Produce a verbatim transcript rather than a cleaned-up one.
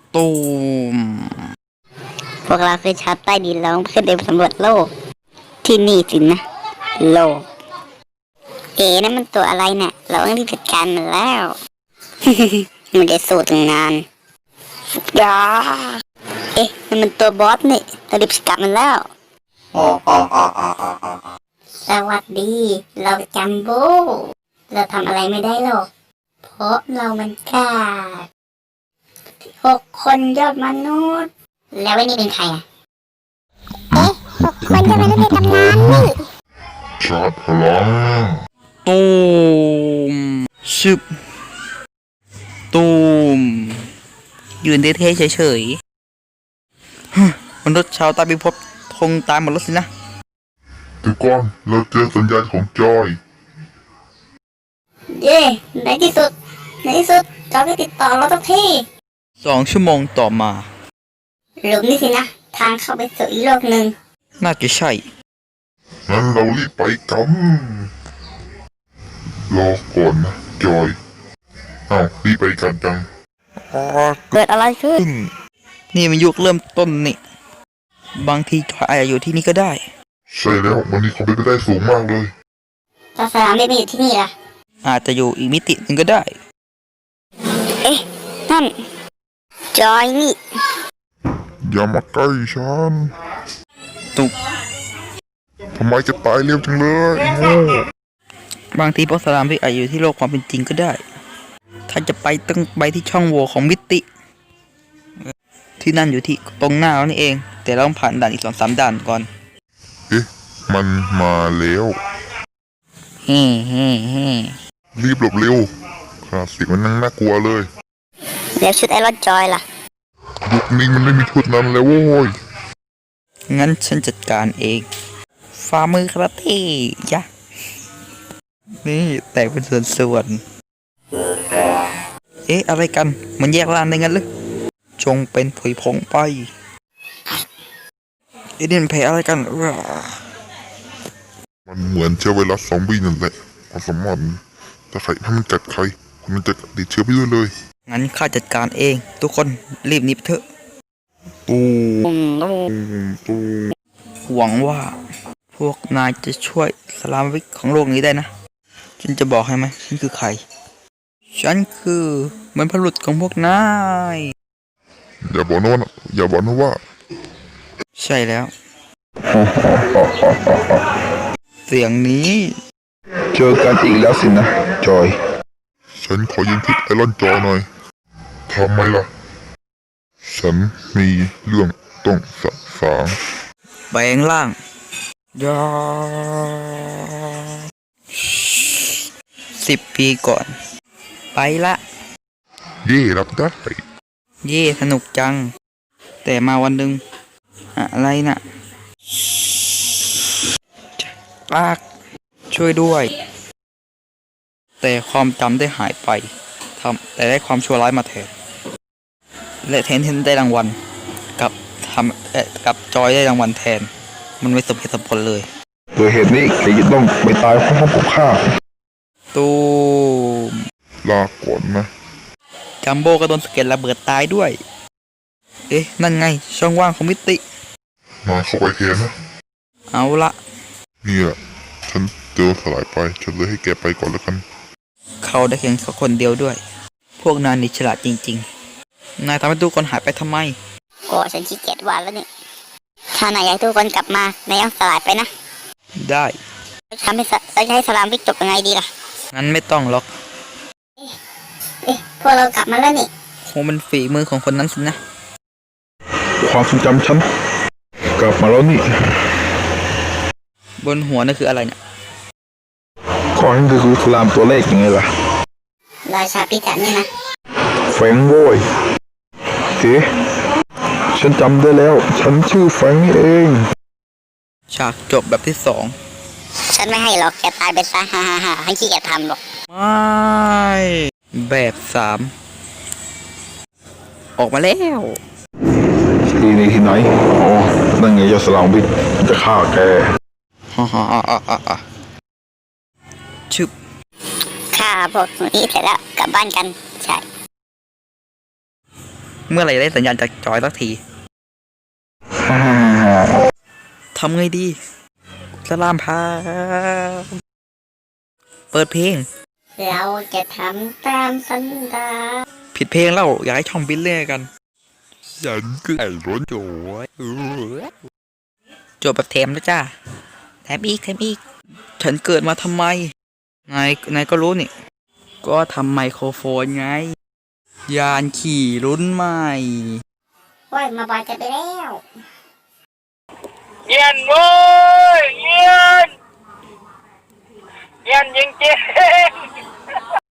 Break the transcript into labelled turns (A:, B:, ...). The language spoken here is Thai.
A: ตูม
B: พวกเราคือชาวใต้ดินเราต้องขึ้นไปสำรวจโลกที่นี่สินะโลกเอ๋นั่นมันตัวอะไรเนี่ยเราต้องรีบจัดการมันแล้วมันได้สู้ตั้งนานยาเอ๊ะนั่นมันตัวบอสนี่เรารีบสกัดมันแล้วสวัสดีเราจัมโบ้เราทำอะไรไม่ได้หรอกเพราะเรามันกล้าหกคนยอดมนุษย์แล้วไอ้นี่เป็นใครอ่ะเอ๊ะหกคนยอดมนุษย์ในตำนานนี่
C: ชาร์จพลัง
A: ตูมชึบตูมยืนเท่ๆเฉยๆฮึมนุษย์ชาวใต้พิภพคงตายหมดแล้วสินะ
C: ทุกคนเราเจอสัญญาณของจอย
B: เย่ในที่สุดในที่สุดจอยก็ติดต่อเราสักที
A: สองชั่วโมงต่อมา
B: หลุมนี่สินะทางเข้าไปสู่อีกโลกหนึ่ง
A: น่าจะใช่
C: งั้นเรารีบไปกันรอก่อนนะจอยอ้าวรีบไปกันจัง
B: เกิดอะไรขึ้น
A: นี่มันยุคเริ่มต้นนี่บางทีจอยอาจจะอยู่ที่นี่ก็ได้
C: ใช่แล้ววันนี้เขาเป็นไปได้สูงมากเลย
B: ถ้าสนามไม่มาอยู่ที่นี่ล่ะ
A: อาจจะอยู่อีกมิติหนึ่งก็ได้
B: เอ๊ะนั่นจอยนี่
C: อย่ามาใกล้ฉัน
A: ตุก
C: ทำไมจะตายเร็วจังเลยโง่
A: บางทีพวกสลามที่อาจอยู่ที่โลกความเป็นจริงก็ได้ถ้าจะไปต้องไปที่ช่องโหว่ของมิติที่นั่นอยู่ที่ตรงหน้าเรานี่เองแต่เราต้องผ่านด่านอีกสองสามด่านก่อน
C: เอ๊ะมันมาแล้ว
A: เฮ้เฮ้เฮ้
C: รีบหลบเร็วขนาดเสียงมันนั่งน่ากลัวเลย
B: แล้วชุดไอรอนจอยล่ะ
C: ยุคนี้มันไม่มีชุดนั้นแล้วโว้ย
A: งั้นฉันจัดการเองฝ่ามือคาราเต้ยะนี่แตกเป็นส่วนๆเอ๊ะอะไรกันมันแยกร่างได้งั้นหรือจงเป็นผุยผงไปเอเดนแพ้อะไรกัน
C: มันเหมือนเชื้อไวรัสซอมบี้นั่นแหละความสามารถถ้าใครถ้ามันกัดใครคนนั้นจะติดเชื้อไปด้วยเลย
A: งั้นข้าจัดการเองทุกคนรีบหนีไปเถอะ
C: ตูตูตู
A: หวังว่าพวกนายจะช่วยสลามวิกของโลกนี้ได้นะฉันจะบอกให้ไหมฉันคือใครฉันคือเหมือนพลุตของพวกนาย
C: อย่าบอกนะว่าอย่าบอกนะว่า
A: ใช่แล้วเสียงนี้
C: เจอกันอีกแล้วสินะจอยฉันขอยืมชุดไอรอนจอหน่อยทำไมล่ะฉันมีเรื่องต้องสะสาง
A: แปลงร่างยาสิบปีก่อนไปละ
C: เย่รับได้
A: เย่สนุกจังแต่มาวันหนึ่งอะไรน่ะปากช่วยด้วยแต่ความจำได้หายไปทำแต่ได้ความชั่วร้ายมาแทนและแทนที่ได้รางวัลกับทำเอ่อกับจอยได้รางวัลแทนมันไม่สมเหตุสมผลเลย
C: โดยเหตุนี้แกจะต้องไปตายพร้อมกับข้า
A: ตูม
C: ลาก่อนนะ
A: จัมโบ้ก็โดนสะเก็ดระเบิดตายด้วยเอ๊ะนั่นไงช่องว่างของมิติ
C: มาเข้าไปเทนนะ
A: เอาละ
C: นี่แหละฉันเจอสลายไปฉันเลยให้แกไปก่อนแล้วกัน
A: เขาได้เพียงเขาคนเดียวด้วยพวกนายนี่ฉลาดจริงๆนายทำให้ทุกคนหายไปทำไม
B: ก็ฉันขี้เกียจวาดแล้วนี่ถ้านายอยากทุกคนกลับมานายต้องสลายไปนะ
A: ได้
B: ทำให้เราจะให้สลามวิกจบยังไงดีล่ะ
A: งั้นไม่ต้องหรอก
B: เอ๊ะพวกเรากลับมาแล้วนี่
A: คงเป็นฝีมือของคนนั้นสินะ
C: ความทรงจำฉันกลับมาแล้วนี่
A: บนหัวนั่นคืออะไรเนี่ย
C: ข้อนั้นคือสลามตัวเลขยังไงล่ะ
B: ราชาพิจารนี่นะ
C: แฟงโว้ยเอ๊ะฉันจำได้แล้วฉันชื่อแฟงเอง
A: ฉากจบแบบที่สอง
B: ฉันไม่ให้หรอกแกตายไปซะฮ่าฮ่าฮ่าให้ขี้แกทำหรอก
A: ไม่แบบสามออกมาแล้ว
C: ที่นี่ที่ไหนอ๋อนั่นไงยาสลามวิทจะฆ่าแก
A: ฮ่าฮ่าฮ่าฮ่าฮ่าชึบ
B: ฆ่าพวกนี้เสร็จแล้วกลับบ้านกันใช่
A: เมื่อไหร่จะได้สัญญาณจากจอยสักทีทำไงดีสลามพาเปิดเพลง
B: เราจะทำตามสัญญา
A: ผิดเพลงแล้วอยากให้ช่องบินเล่กันฉันคือไอ้ร้นโจยโจทย์แบบเทมนะจ้าแถมอีกแถมอีก ฉันเกิดมาทำไมนายนายก็รู้นี่ ก็ทำไมโครโฟนไง ยานขี่รุ่นใหม่
B: โอ้ยมาบอยจะไปแล้ว
D: เย็นเว้ยเย็นเย็นจริง